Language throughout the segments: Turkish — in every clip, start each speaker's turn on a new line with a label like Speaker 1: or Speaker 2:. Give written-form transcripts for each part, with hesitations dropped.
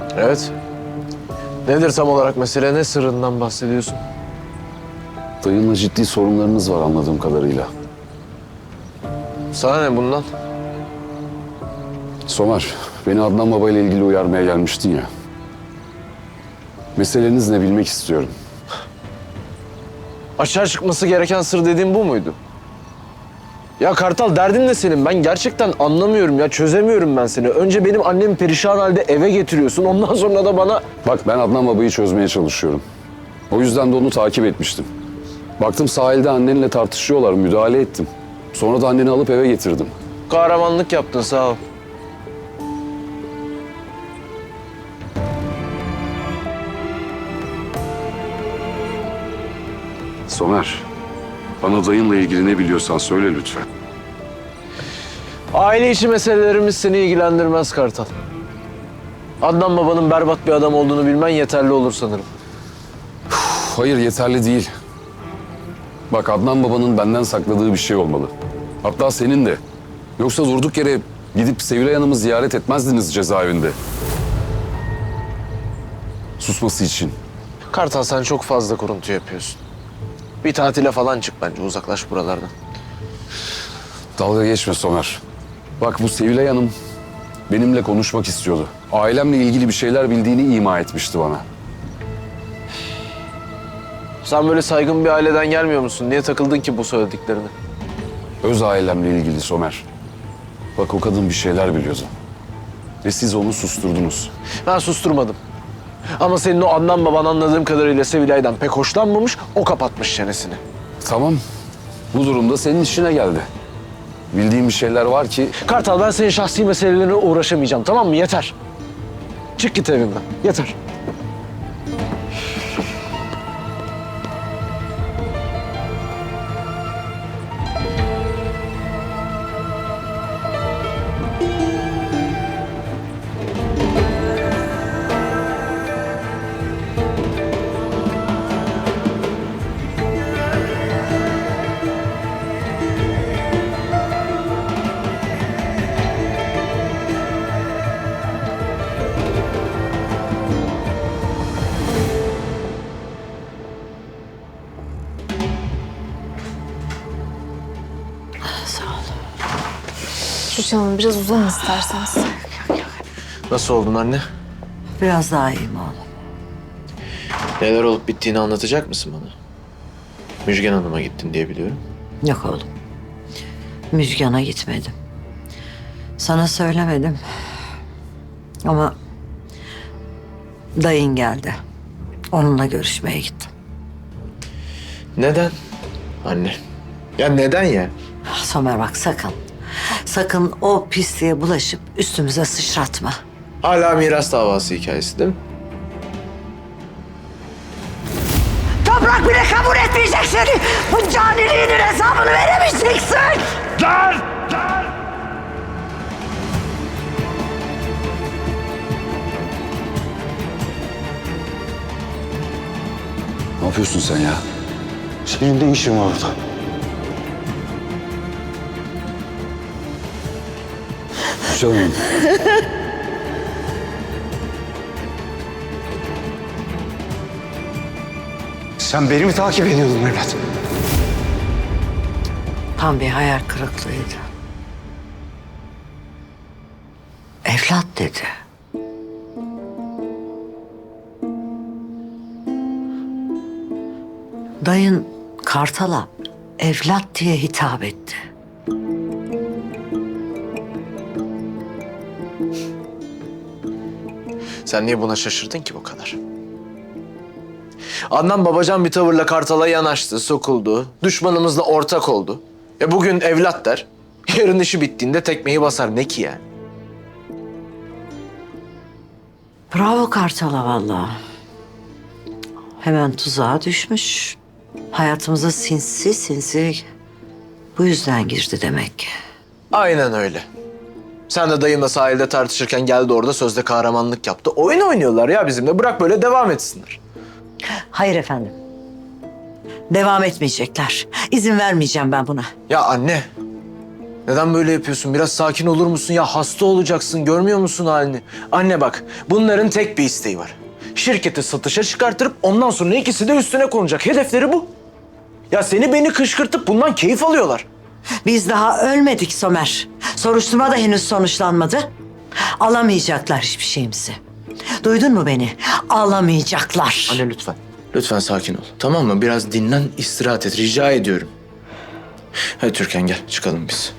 Speaker 1: Evet. Nedir tam olarak mesele? Ne sırrından bahsediyorsun?
Speaker 2: Dayınla ciddi sorunlarınız var anladığım kadarıyla.
Speaker 1: Sana ne bundan?
Speaker 2: Somer, beni Adnan Baba ile ilgili uyarmaya gelmiştin ya. Meseleniz ne bilmek istiyorum.
Speaker 1: Açığa çıkması gereken sır dediğin bu muydu? Ya Kartal, derdin ne senin? Ben gerçekten anlamıyorum ya. Çözemiyorum ben seni. Önce benim annemi perişan halde eve getiriyorsun. Ondan sonra da bana...
Speaker 2: Bak ben Adnan Baba'yı çözmeye çalışıyorum. O yüzden de onu takip etmiştim. Baktım sahilde annenle tartışıyorlar, müdahale ettim. Sonra da anneni alıp eve getirdim.
Speaker 1: Kahramanlık yaptın, sağ ol.
Speaker 2: Somer, bana dayınla ilgili ne biliyorsan söyle lütfen.
Speaker 1: Aile içi meselelerimiz seni ilgilendirmez Kartal. Adnan Baba'nın berbat bir adam olduğunu bilmen yeterli olur sanırım.
Speaker 2: Hayır, yeterli değil. Bak Adnan Baba'nın benden sakladığı bir şey olmalı. Hatta senin de. Yoksa durduk yere gidip Sevilay Hanım'ı ziyaret etmezdiniz cezaevinde. Susması için.
Speaker 1: Kartal, sen çok fazla kuruntu yapıyorsun. Bir tatile falan çık bence, uzaklaş buralardan.
Speaker 2: Dalga geçme Somer. Bak bu Sevilay Hanım benimle konuşmak istiyordu. Ailemle ilgili bir şeyler bildiğini ima etmişti bana.
Speaker 1: Sen böyle saygın bir aileden gelmiyor musun? Niye takıldın ki bu söylediklerine?
Speaker 2: Öz ailemle ilgili Somer. Bak o kadın bir şeyler biliyordu. Ve siz onu susturdunuz.
Speaker 1: Ben susturmadım. Ama senin o Adnan Baban anladığım kadarıyla Sevilay'dan pek hoşlanmamış, o kapatmış çenesini.
Speaker 2: Tamam. Bu durumda senin işine geldi. Bildiğim bir şeyler var ki...
Speaker 1: Kartal, ben senin şahsi meselelerine uğraşamayacağım, tamam mı? Yeter. Çık git evimden, yeter.
Speaker 3: Tuğçe Hanım, biraz uzanın isterseniz.
Speaker 1: Nasıl oldun anne?
Speaker 4: Biraz daha iyiyim oğlum.
Speaker 1: Neler olup bittiğini anlatacak mısın bana? Müjgan Hanım'a gittin diye biliyorum.
Speaker 4: Yok oğlum. Müjgan'a gitmedim. Sana söylemedim. Ama dayın geldi. Onunla görüşmeye gittim.
Speaker 1: Neden? Anne. Ya neden ya?
Speaker 4: Somer bak sakın. Sakın o pisliğe bulaşıp üstümüze sıçratma.
Speaker 1: Hala miras davası hikayesi değil mi?
Speaker 4: Toprak bile kabul etmeyecek seni. Bu caniliğinin hesabını veremeyeceksin.
Speaker 2: Ne yapıyorsun sen ya?
Speaker 5: Senin de işin var orada.
Speaker 2: Canım.
Speaker 5: Sen beni mi takip ediyordun evlat?
Speaker 4: Tam bir hayal kırıklığıydı. Evlat dedi. Dayın Kartal'a evlat diye hitap etti.
Speaker 1: Sen niye buna şaşırdın ki bu kadar? Adnan babacan bir tavırla Kartal'a yanaştı, sokuldu. Düşmanımızla ortak oldu. Bugün evlat der. Yarın işi bittiğinde tekmeyi basar. Ne ki yani?
Speaker 4: Bravo Kartal'a vallahi. Hemen tuzağa düşmüş. Hayatımıza sinsi sinsi bu yüzden girdi demek ki.
Speaker 1: Aynen öyle. Sen de dayımla sahilde tartışırken geldi orada sözde kahramanlık yaptı. Oyun oynuyorlar ya bizimle. Bırak böyle devam etsinler.
Speaker 4: Hayır efendim. Devam etmeyecekler. İzin vermeyeceğim ben buna.
Speaker 1: Ya anne. Neden böyle yapıyorsun? Biraz sakin olur musun? Ya hasta olacaksın. Görmüyor musun halini? Anne bak, bunların tek bir isteği var. Şirketi satışa çıkartırıp ondan sonra ikisi de üstüne konacak. Hedefleri bu. Ya seni beni kışkırtıp bundan keyif alıyorlar.
Speaker 4: Biz daha ölmedik Somer. Soruşturma da henüz sonuçlanmadı. Alamayacaklar hiçbir şeyimizi. Duydun mu beni? Alamayacaklar.
Speaker 1: Anne lütfen. Lütfen sakin ol. Tamam mı? Biraz dinlen, istirahat et. Rica ediyorum. Hadi Türkan gel, çıkalım biz.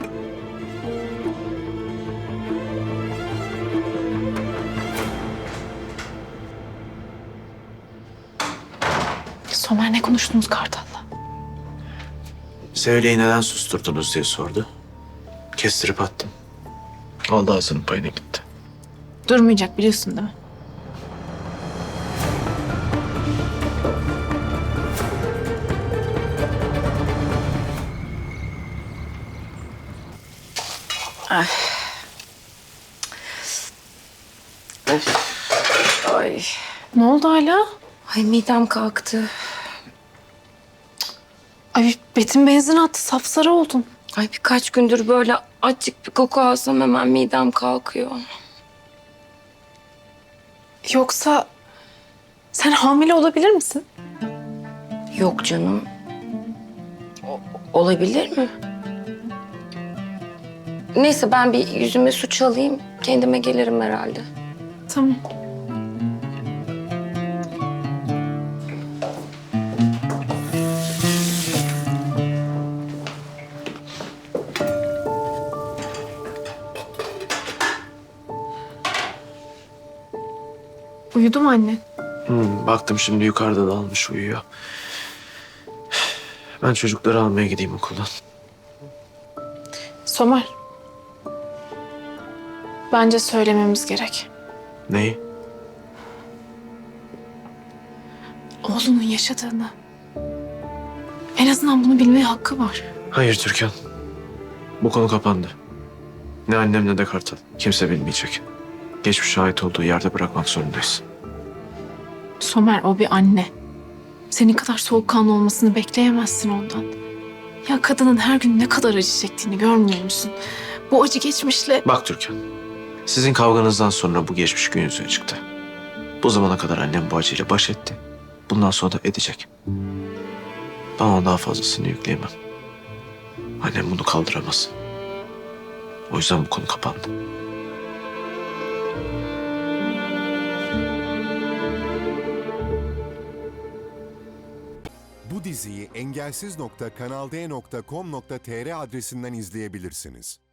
Speaker 3: Somer ne konuştunuz Kartal'la?
Speaker 1: Sevile'yi neden susturdunuz diye sordu. Kestirip attım. Aldı ağzının payına gitti.
Speaker 3: Durmayacak biliyorsun değil mi?
Speaker 6: Ay,
Speaker 3: Ne oldu hala?
Speaker 6: ay midem kalktı.
Speaker 3: Ay Betim benzin attı. Sapsarı oldun.
Speaker 6: Ay birkaç gündür böyle acık bir koku alsam hemen midem kalkıyor.
Speaker 3: Yoksa sen hamile olabilir misin?
Speaker 6: Yok canım. Olabilir mi? Neyse ben bir yüzüme su çalayım. Kendime gelirim herhalde.
Speaker 3: Tamam. Uyudu mu anne?
Speaker 1: Baktım şimdi yukarıda da almış uyuyor. Ben çocukları almaya gideyim okuldan.
Speaker 3: Somer. Bence söylememiz gerek.
Speaker 1: Neyi?
Speaker 3: Oğlunun yaşadığını. En azından bunu bilmeye hakkı var.
Speaker 1: Hayır Türkan. Bu konu kapandı. Ne annem ne de Kartal. Kimse bilmeyecek. Geçmişe ait olduğu yerde bırakmak zorundayız.
Speaker 3: Somer o bir anne. Senin kadar soğukkanlı olmasını bekleyemezsin ondan. Ya kadının her gün ne kadar acı çektiğini görmüyor musun? Bu acı geçmişle...
Speaker 1: Bak Türkan. Sizin kavganızdan sonra bu geçmiş gün yüzüne çıktı. Bu zamana kadar annem bu acıyla baş etti. Bundan sonra da edecek. Ben ona daha fazlasını yükleyemem. Annem bunu kaldıramaz. O yüzden bu konu kapandı.
Speaker 7: Bu diziyi engelsiz.kanalde.com.tr adresinden izleyebilirsiniz.